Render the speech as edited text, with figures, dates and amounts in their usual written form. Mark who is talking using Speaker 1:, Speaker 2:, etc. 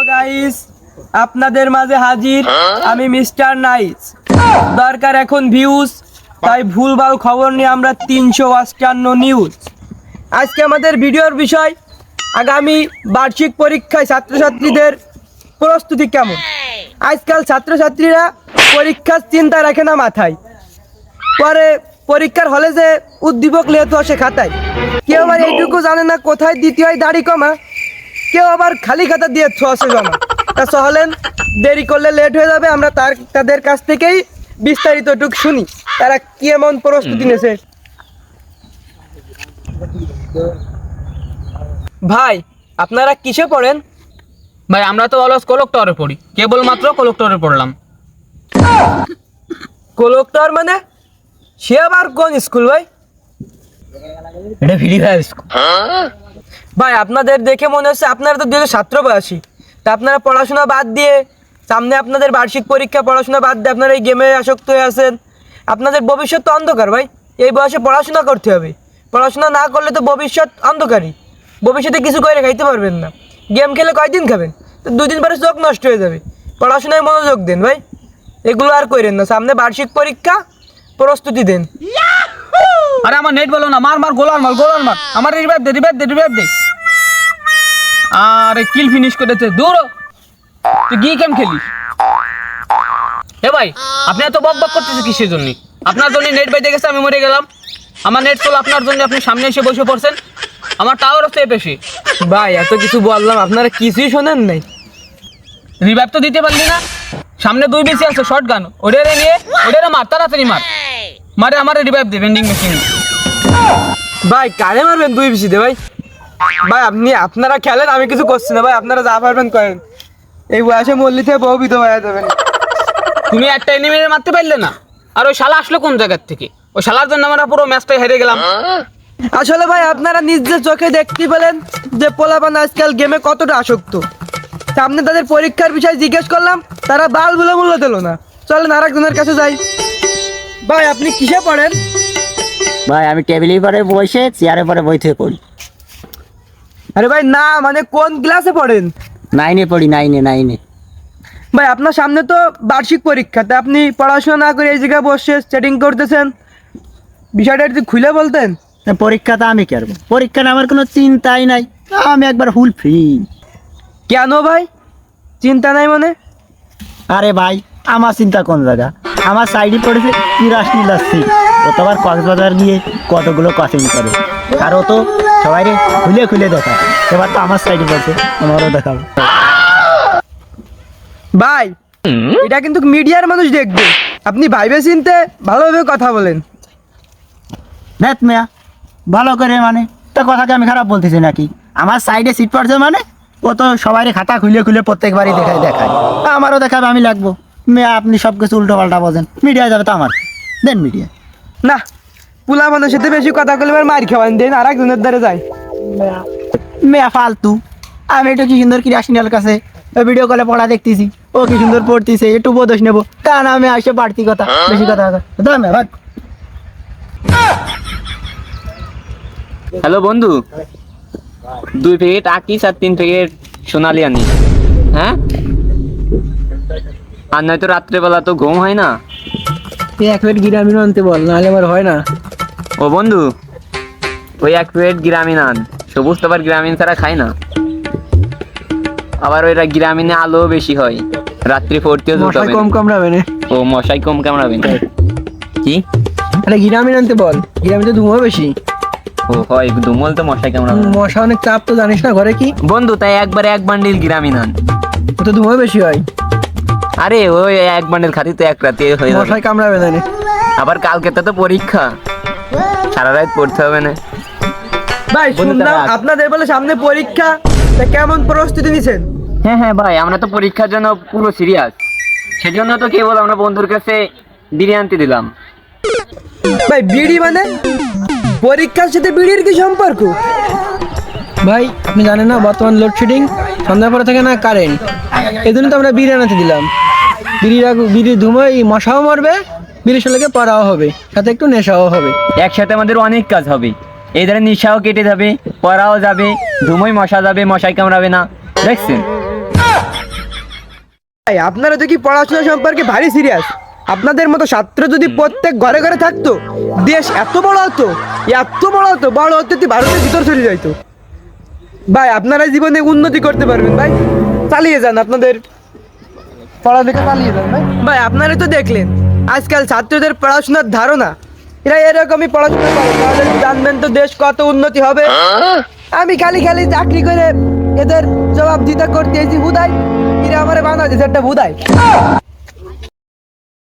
Speaker 1: Guys, আপনাদের মাঝে হাজির আমি মিস্টার নাইস। দরকার এখন ভিউজ, তাই ভুলভাল খবর নিয়ে আমরা 358 নিউজ। আজকে আমাদের ভিডিওর বিষয় আগামী বার্ষিক পরীক্ষায় ছাত্রছাত্রীদের প্রস্তুতি কেমন। আজকাল ছাত্রছাত্রীরা পরীক্ষার চিন্তা রাখে না মাথায়, পরে পরীক্ষার হলে যে উদ্দীপক লেহেতু আসে খাতায়। কেউ আবার এইটুকু জানে না কোথায় দিতে হয় দাড়ি কমা, কেউ আবার খালি খাতা দিয়ে আসে জমা। তা চলেন, দেরি করলে লেট হয়ে যাবে। আমরা তাদের কাছ থেকেই বিস্তারিতটুকু শুনি তারা কি এমন প্রস্তুতি নিয়েছে। ভাই, আপনারা কিসে পড়েন?
Speaker 2: ভাই আমরা তো অলস কলেক্টরে পড়ি, কেবলমাত্র কলেক্টরে পড়লাম।
Speaker 1: কলেক্টর মানে সে আবার কোন স্কুল ভাই?
Speaker 2: এটা ফ্রি ফায়ার স্কুল।
Speaker 1: ভাই আপনাদের দেখে মনে হচ্ছে আপনারা তো 2017 বয়সী। তা আপনারা পড়াশোনা বাদ দিয়ে, সামনে আপনাদের বার্ষিক পরীক্ষা, পড়াশোনা বাদ দিয়ে আপনারা এই গেমে আসক্ত হয়ে আছেন। আপনাদের ভবিষ্যৎ তো অন্ধকার ভাই। এই বয়সে পড়াশোনা করতে হবে, পড়াশোনা না করলে তো ভবিষ্যৎ অন্ধকারই। ভবিষ্যতে কিছু করে খাইতে পারবেন না। গেম খেলে কয়দিন খাবেন? তো 2 দিন পরে চোখ নষ্ট হয়ে যাবে। পড়াশোনায় মনোযোগ দেন ভাই, এগুলো আর করেন না। সামনে বার্ষিক পরীক্ষা, প্রস্তুতি দেন।
Speaker 2: আরে আমার নেট বলো না, মার মার গোলার মার আমার রিভাইভ দে। আরে কিল ফিনিশ করেছে, দূর তুই গিয়ে গেম খেলিস। এ ভাই, আপনি এত বক করতেছে কিসের জন্য? আপনার জন্য নেট বাইতে গেছে, আমি মরে গেলাম। আমার নেট চলো আপনার জন্য, আপনি সামনে এসে বসে পড়ছেন। আমার টাওয়ার হচ্ছে বেশি।
Speaker 1: ভাই এত কিছু বললাম, আপনারা কিছুই শোনেন নাই।
Speaker 2: রিভাইভ তো দিতে পারলি না। সামনে 2 বেশি আছে শর্ট গান, ওটারে নিয়ে ওটারে মার, তাড়াতাড়ি মারে আমার রিভাইভ দে ভেন্ডিং মেশিন।
Speaker 1: ভাই কারে মারবেন 2 বিসিতে ভাই? ভাই আপনারা খেলেন, আমি কিছু করছি না ভাই। আপনারা যা পারবেন করেন। এই বয়সে মল্লি থেকে বহু বিধ হয়ে যাবেন।
Speaker 2: তুমি একটা এনিমিরে মারতে পারলে না, আর ওই শালা আসলো কোন জায়গার থেকে? ওই শালার জন্য আমরা পুরো ম্যাচটাই হেরে গেলাম।
Speaker 1: আসলে ভাই আপনারা নিজের চোখে দেখতে পেলেন যে পোলাপান আজকাল গেমে কতটা আসক্ত। সামনে তাদের পরীক্ষার বিষয় জিজ্ঞেস করলাম, তারা বাল বলে মূল্য দিল না। চলেন আরেকজনের কাছে যাই। ভাই আপনি কিসে পড়েন?
Speaker 3: ভাই আমি টেবিলের পরে বসে চেয়ারের পরে বই থেকে পড়ি।
Speaker 1: আরে ভাই না, মানে কোন ক্লাসে পড়েন?
Speaker 3: 9-এ পড়ি, 9-এ।
Speaker 1: ভাই আপনার সামনে তো বার্ষিক পরীক্ষা, তা আপনি পড়াশোনা না করে এই জায়গায় বসে সেটিং করতেছেন, বিষয়টা একটু খুলে বলতেন।
Speaker 3: পরীক্ষাটা আমি কি করবো? পরীক্ষা আমার কোনো চিন্তাই নাই, আমি একবার ফুল ফ্রি।
Speaker 1: কেন ভাই চিন্তা নাই মানে?
Speaker 3: আরে ভাই আমার চিন্তা কোন জায়গা? আমার সাইডে পড়েছে 83 সিট। ও তো আবার কক্সবাজার গিয়ে কতগুলো কোচিং করে, আর ও তো সবাই খুলে দেখায়। এবার তো আমার সাইডে পড়ছে, আমারও দেখাবো।
Speaker 1: ভাই এটা কিন্তু মিডিয়ার মানুষ দেখবে, আপনি ভাইবে চিনতে ভালোভাবে কথা বলেন।
Speaker 3: নেট মেয়া ভালো করে, মানে তো কথাকে আমি খারাপ বলতেছি নাকি? আমার সাইডে সিট পড়ছে মানে ও তো সবাই খাতা খুলে প্রত্যেকবারই দেখায়। আমারও দেখাবে, আমি লাগবো। মেয়া আপনি সব কিছু উল্টো পাল্টা বোঝেন, মিডিয়া যাবে তো আমার দেন মিডিয়া
Speaker 1: না, পুলা মানুষের সাথে বেশি কথা বলে মার খাওয়ান দেন, আর একজনের দ্বারা যায়।
Speaker 3: মেয়া ফালতু। আমি একটু কি সুন্দর ক্রিয়াশিনাল কাছে ভিডিও কলে পড়া দেখতেছি, ও কি সুন্দর পড়তেছে, একটু বোধ নেবো, তা না আমি আসে বাড়তি কথা বেশি কথা ভাগ।
Speaker 2: হ্যালো বন্ধু, 2 প্যাকেট আকিস আর 3 প্যাকেট সোনালি আনি। হ্যাঁ, আর নয়তো রাত্রেবেলা তো ঘুম হয় না।
Speaker 1: তুই 1 প্লেট গ্রামীণ আনতে বল, নাহলে আমার হয় না।
Speaker 2: ও বন্ধু, ওই 1 প্লেট গ্রামীণ আন। সবুজ তো আবার গ্রামীণ ছাড়া খায় না। আবার ওইটা গ্রামীণে আলো বেশি হয়, রাত্রি পড়তেও
Speaker 1: মশাই কম কামড়াবে না।
Speaker 2: ও মশাই কম কামড়াবে না কি?
Speaker 1: আরে গ্রামীণ আনতে বল, গ্রামীণে ধুমো বেশি।
Speaker 2: ও হয়, দুমল তো মশাই কামড়াবে না।
Speaker 1: মশা অনেক চাপ তো জানিস না ঘরে কি
Speaker 2: বন্ধু, তাই একবারে 1 বান্ডিল গ্রামীণ আন,
Speaker 1: ও তো ধুমো বেশি হয়।
Speaker 2: আরে ওই 1 বান্ডিল খাতি তো 1 রাতে হয়ে যাবে।
Speaker 1: মশাই কামড়াবে না।
Speaker 2: আবার কালকে তো পরীক্ষা, সারা রাত পড়তে হবে না।
Speaker 1: ভাই
Speaker 2: বন্ধু,
Speaker 1: শুনলাম
Speaker 2: তারা-
Speaker 1: আপনাদের বলে সামনে পরীক্ষা, তা কেমন প্রস্তুতি নিছেন?
Speaker 2: হ্যাঁ ভাই, আমরা তো পরীক্ষার জন্য পুরো সিরিয়াস। সেজন্য তো কেবল আমরা বন্ধুর কাছে বিরিয়ানি আনতে দিলাম।
Speaker 1: ভাই বিড়ি মানে? পরীক্ষার সাথে বিড়ির কি সম্পর্ক? ভাই আপনি জানেন না বর্তমান লোডশেডিং, সন্ধ্যার পরে থাকে না কারেন্ট, এই জন্য তো আমরা বিড়ি আনাতে দিলাম। বিড়ির ধুমোয় মশাও মরবে, বিড়ির সাথে পড়াও হবে, সাথে একটু নেশাও হবে।
Speaker 2: একসাথে আমাদের অনেক কাজ হবে। এই ধরনের নিশাও কেটে যাবে, পড়াও যাবে, ধুমোই মশা যাবে, মশাই কামড়াবে না। দেখছেন?
Speaker 1: ভাই আপনারা তো কি পড়াশোনা সম্পর্কে ভারী সিরিয়াস। আপনাদের মতো ছাত্র যদি প্রত্যেক ঘরে ঘরে থাকতো, দেশ এত বড় হতো, বড় হতে ভারতের ভিতর চলে যাইতো। ভাই আপনারা জীবনে উন্নতি করতে পারবেন ভাই, চালিয়ে যান আপনাদের পড়ালেখা চালিয়ে যান ভাই। ভাই আপনারা তো দেখলেন আজকাল ছাত্রদের পড়াশোনার ধারণা, এরা এরকমই পড়াশোনা করে, তাহলে জানবেন তো দেশ কত উন্নতি হবে। আমি খালি খালি চাকরি করে এদের জবাব দিতে করতে এসেছি হুদাই, এরা আমার বাংলাদেশ একটা হুদাই।